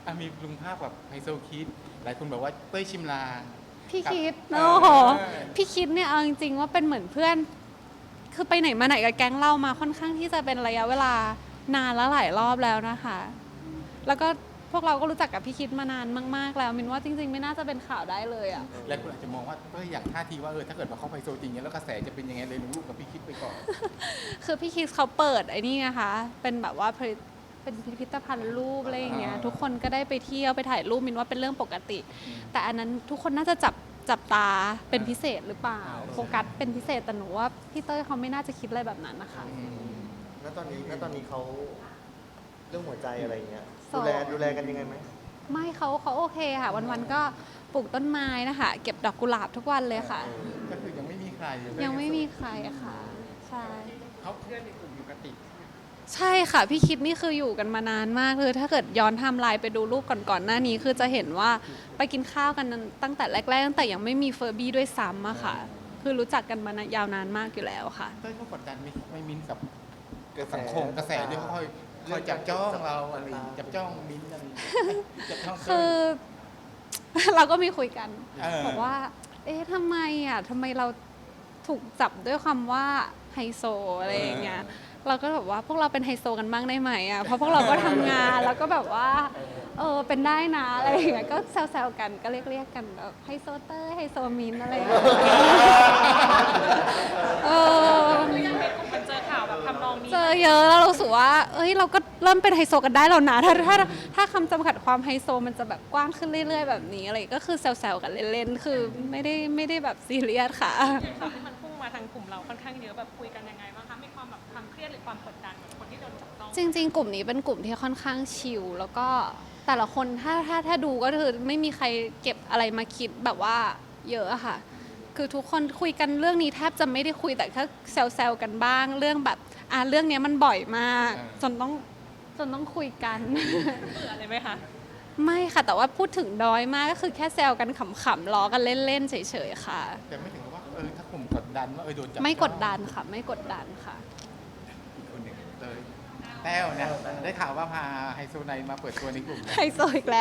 มีลุงภาพแบบไฮโซคิดหลายคนบอกว่าเต้ยชิมลางพี่คิดกับโอ้โหพี่คิดเนี่ยเอาจริงๆว่าเป็นเหมือนเพื่อนคือไปไหนมาไหนกับแก๊งเรามาค่อนข้างที่จะเป็นระยะเวลานานแล้วหลายรอบแล้วนะคะแล้วก็พวกเราก็รู้จักกับพี่คิดมานานมากๆแล้วมินว่าจริงๆไม่น่าจะเป็นข่าวได้เลยอ่ะหลายคนอาจจะมองว่าเต้ยอยากท่าทีว่าถ้าเกิดว่าเขาไฮโซจริงเนี่ยแล้วกระแสจะเป็นยังไงเลยลงรูปกับพี่คิดไปก่อนคือพี่คิดเขาเปิดไอ้นี่นะคะเป็นแบบว่าเป็นพิพิธภัณฑ์รูปอะไรอย่างเงี้ยทุกคนก็ได้ไปเที่ยวไปถ่ายรูปมินว่าเป็นเรื่องปกติ แต่อันนั้นทุกคนน่าจะจับตาเป็นพิเศษหรือเปล่าโฟกัสเป็นพิเศษแต่หนูว่าพี่เต้ยเขาไม่น่าจะคิดอะไรแบบนั้นนะคะแล้วตอนนี้เขาเรื่องหัวใจอะไรอย่างเงี้ยโสดูดแลกันยังไงไหมไม่เขาโอเคค่ะวันๆก็ปลูกต้นไม้นะคะเก็บดอกกุหลาบทุกวันเลยค่ะก็คือยังไม่มีใครยังไม่มีใครอะค่ะใช่เขาเพื่อนในกลุ่มอยู่กติกใช่ค่ะพี่คิดนี่คืออยู่กันมานานมากเลยถ้าเกิดย้อนไทม์ไลน์ไปดูรูปก่อนๆหน้านี้คือจะเห็นว่าไปกินข้าวกันตั้งแต่แรกๆตั้งแต่ยังไม่มีเฟอร์บี้ด้วยซ้ำอะค่ะ คือรู้จักกันมายาวนานมากอยู่แล้วค่ะเต้ยเขากดดันไม่มิ้นกับกระแสสังคมกระแสด้วยเขาคอยจับจ้องเราอะไรจับจ้องมิ้นอะไรจับจ้องเต้ยคือ เราก็มีคุยกันเบอกว่า เอ๊ะทำไมเราถูกจับด้วยคำว่าไฮโซอะไรอย่างเงี้ย เราก็แบบว่าพวกเราเป็นไฮโซกันบ้างได้ไหมอ่ะ เพราะพวกเราก็ทำงานแล้วก็แบบว่าเป็นได้นะอะไรอย่างเงี้ย ก็แซวๆกันก็เรียกกันแบบไฮโซเตอร์ไฮโซมินอะไรอย่างเงี้ยเออยังเป็นกลุ่มมันเจอข่าวแบบทำนองนี้เจอเยอะแล้วเรารู้สึกว่า เอ้ยเราก็เริ่มเป็นไฮโซกันได้แล้วนะถ้าคำจำกัดความไฮโซมันจะแบบกว้างขึ้นเรื่อยๆแบบนี้อะไรก็คือแซวๆกันเล่นๆ คือไม่ได้แบบซีเรียสค่ะข่าวที่มันพุ่งมาทางกลุ่มเราค่อนข้างเยอะแบบคุยกันยังไงบ้างคะมีความแบบความเครียดหรือความกดดันกับคนที่โดนจับต้องจริงๆ กลุ่มนี้เป็นกลุ่มที่ค่อนข้างชิลแล้วก็แต่ละคนถ้าดูก็คือไม่มีใครเก็บอะไรมาคิดแบบว่าเยอะอะค่ะ คือทุกคนคุยกันเรื่องนี้แทบจะไม่ได้คุยแต่แค่แซวๆกันบ้างเรื่องแบบเรื่องนี้มันบ่อยมากจนต้องคุยกันเบื่อเลยไหมคะไม่ค่ะแต่ว่าพูดถึงน้อยมากก็คือแค่แซวกันขำๆล้อกันเล่นๆเฉยๆค่ะแต่ไม่ถึงกับว่าถ้ากลุ่มกดดันว่าโดนจับไม่กดดันค่ะ ไม่กดดันค่ะอีกคนหนึ่งเต้ยแต้วเนี่ยได้ข่าวว่าพาไฮโซไนมาเปิดตัวในกลุ่มไฮโซอีกแล้ว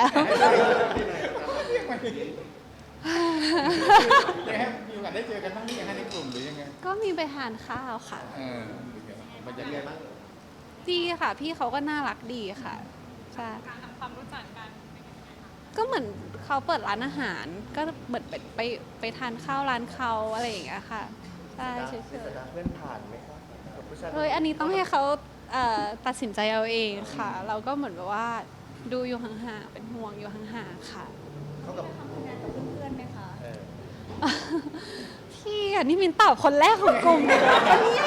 เนี่ยมีโอกาสได้เจอกันบ้างหรือยังในกลุ่มหรือยังไงก็มีไปทานข้าวค่ะมันจะเป็นเรีไงยกบ้างดีค่ะ พี่เขาก็น่ารักดีค่ะใช่การทำความรู้จักกันเป็นยังไงคะก็เหมือนเขาเปิดร้านอาหาร ก็เหมือนไปทานข้าวร้านเขาอะไรอย่างเงี้ยค่ะใช่เฉยเพื่อนผ่านไหมครับกับผู้ชายๆเฮ้ยอันนี้ต้องให้เขาตัดสินใจเอาเองค่ะ เราก็เหมือนแบบว่าดูอยู่ห่างๆเป็นห่วงอยู่ห่างๆค่ะเขากับทำงานกับเพื่อนไหมคะเออพี่นี่มินตอบคนแรกของกลุ่มเลยนะเนี่ย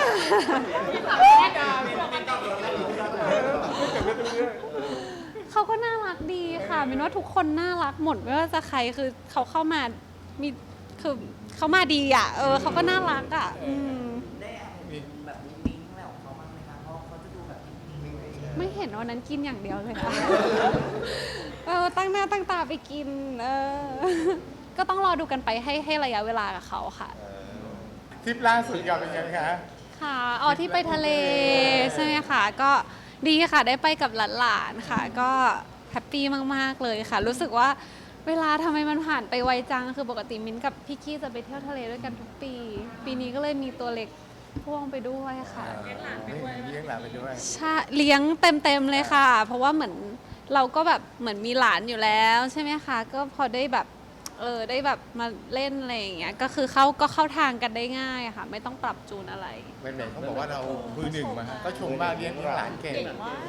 เขาก็น่ารักดีค่ะมินว่าทุกคนน่ารักหมดไม่ว่าจะใครคือเขาเข้ามามีคือเขามาดีอ่ะเขาก็น่ารักอ่ะได้แอบเห็นแบบมิ้งอะไรของเขาบ้างไหมคะ เพราะเขาจะดูแบบนิ่งๆไม่เห็นวันนั้นกินอย่างเดียวเลยค่ะ ตั้งหน้าตั้งตาไปกินก็ต้องรอดูกันไปให้ระยะเวลากับเขาค่ะทริปล่าสุดกับเป็นไงคะค่ะที่ไปทะเลใช่ไหมคะก็ดีค่ะได้ไปกับหลานๆค่ะ ก็แฮปปี้มากๆเลยค่ะ รู้สึกว่าเวลาทำไมมันผ่านไปไวจังคือปกติมิ้นกับพี่กี้จะไปเที่ยวทะเลด้วยกันทุกปี ปีนี้ก็เลยมีตัวเล็กพ่วงไปด้วยค่ะเลี้ยงหลานไปด้วยใช่เลี้ยงเต็มๆเลยค่ะ เพราะว่าเหมือนเราก็แบบเหมือนมีหลานอยู่แล้วใช่ไหมคะก็พอได้แบบได้แบบมาเล่นอะไรอย่างเงี้ยก็คือเข้าทางกันได้ง่ายอะค่ะ ไม่ต้องปรับจูนอะไรแหวนเขาบอกว่าเรามือหนึ่งมาก็ชมมากเลี้ยงหลานเก่ง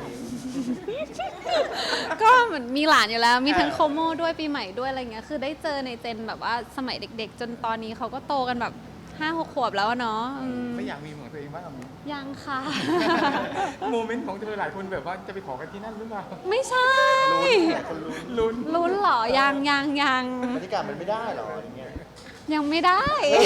ก็เหมือนมีหลานอยู่แล้วมีทั้งโคโมด้วยปีใหม่ด้วยอะไรเงี้ยคือได้เจอในเจนแบบว่าสมัยเด็ก ๆ จนตอนนี้เขาก็โตกันแบบ5-6 ขวบแล้วอะเนาะไม่อยากมีเหมือนตัวเองบ้างมั้ยยังค่ะโมเมนต์ของเธอหลายคนแบบว่าจะไปขอกันที่นั่นหรือเปล่าไม่ใช่หลายคนลุ้นลุ้นลุ้นเหรอยังบรรยากาศมันไม่ได้หรออย่างเงี้ยยังไม่ได้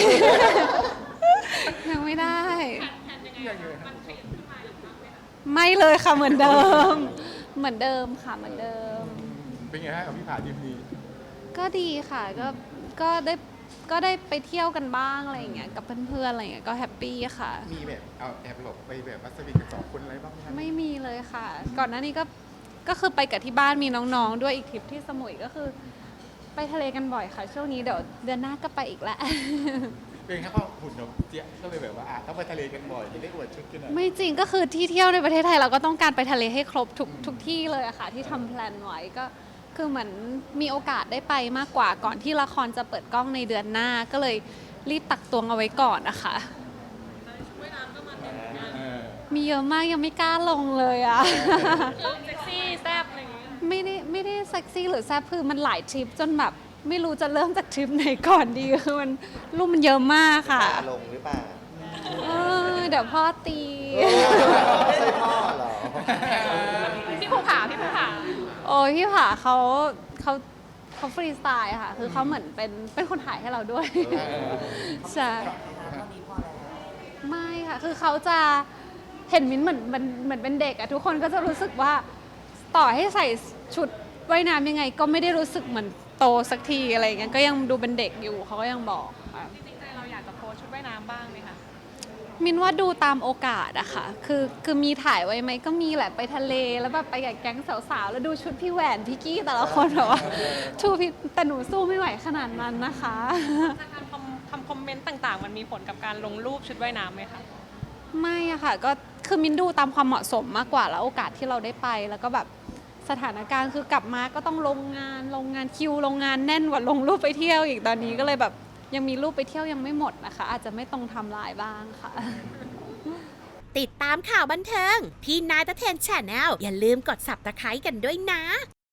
ยังไม่ได้แทนยังไงคะมันเปลี่ยนขึ้นมาอีกครั้งไหมคะไม่เลยค่ะเหมือนเดิม เหมือนเดิมค่ะเหมือนเดิมเป็นไงฮะกับพี่ผาทีมนี้ก็ดีค่ะก็ได้ไปเที่ยวกันบ้างอะไรอย่างเงี้ยกับเพื่อนๆอะไรอย่างเงี้ยก็แฮปปี้ค่ะมีแบบเอาแอบหลบไปแบบวัสดุกัน2 คนอะไรบ้างไหมครับไม่มีเลยค่ะ ก่อนหน้านี้ก็ก็คือไปกับที่บ้านมีน้องๆด้วยอีกทริปที่สมุยก็คือไปทะเลกันบ่อยค่ะ ช่วงนี้เดี๋ยวเดือนหน้าก็ไปอีกแล้วเป็นแค่เพราะหุ่นเราเจี๊ยบก็เลยแบบว่าต้องไปทะเลกันบ่อยจะได้อวดชุดกันหน่อยไม่จริงก็คือที่เที่ยวในประเทศไทยเราก็ต้องการไปทะเลให้ครบทุกที่เลยอะค่ะที่ทำแพลนไว้ก็คือเหมือนมีโอกาสได้ไปมากกว่าก่อนที่ละครจะเปิดกล้องในเดือนหน้าก็เลยรีบตักตวงเอาไว้ก่อนนะคะ มีเยอะมากยังไม่กล้าลงเลยอะคือเซ็กซี่แซ่บอะไรอย่างเงี้ยไม่ได้เซ็กซี่หรือแซ่บคือมันหลายทริปจนแบบไม่รู้จะเริ่มจากทริปไหนก่อนดีคือมันรูปมันเยอะมากค่ะตาลงหรือเปล่าเดี๋ยวพ่อตีไม่ใช่พ่อเหรอพี่ภูผาพี่ภูผาโอ้ยพี่ผาเขาฟรีสไตล์อะค่ะ คือเขาเหมือนเป็นคนถ่ายให้เราด้วย ใช่เท่านี้พอแล้วไม่ค่ะ คือเขาจะเห็นมิ้นท์เหมือนเป็นเด็กอะทุกคนก็จะรู้สึกว่าต่อให้ใส่ชุดว่ายน้ำยังไง ก็ไม่ได้รู้สึกเหมือนโตสักทีอะไรอย่างเงี้ยก็ยังดูเป็นเด็กอยู่เขาก็ยังบอกค่ะจริงๆใจเราอยากจะโพสชุดว่ายน้ำบ้างไหมคะมินว่าดูตามโอกาสอะค่ะ คือมีถ่ายไว้ไหมก็มีแหละไปทะเลแล้วแบบไปกับแก๊งสาวๆ แล้วดูชุดพี่แหวนพี่กี้แต่ละคนแบบว่าชูพี่แต่หนูสู้ไม่ไหวขนาดนั้นนะคะการทำคอมเมนต์ต่างๆ มันมีผลกับการลงรูปชุดว่ายน้ำไหมคะไม่อะค่ะก็คือมินดูตามความเหมาะสมมากกว่าแล้วโอกาสที่เราได้ไป แล้วก็แบบสถานการณ์คือกลับมาก็ต้องลงงานคิวลงงานแน่นกว่าลงรูปไปเที่ยวอีกตอนนี้ก็เลยแบบยังมีรูปไปเที่ยวยังไม่หมดนะคะ อาจจะไม่ตรงไทม์ไลน์บ้างค่ะติดตามข่าวบันเทิง พี่นายตะเทนแชนแนลอย่าลืมกด Subscribe กันด้วยนะ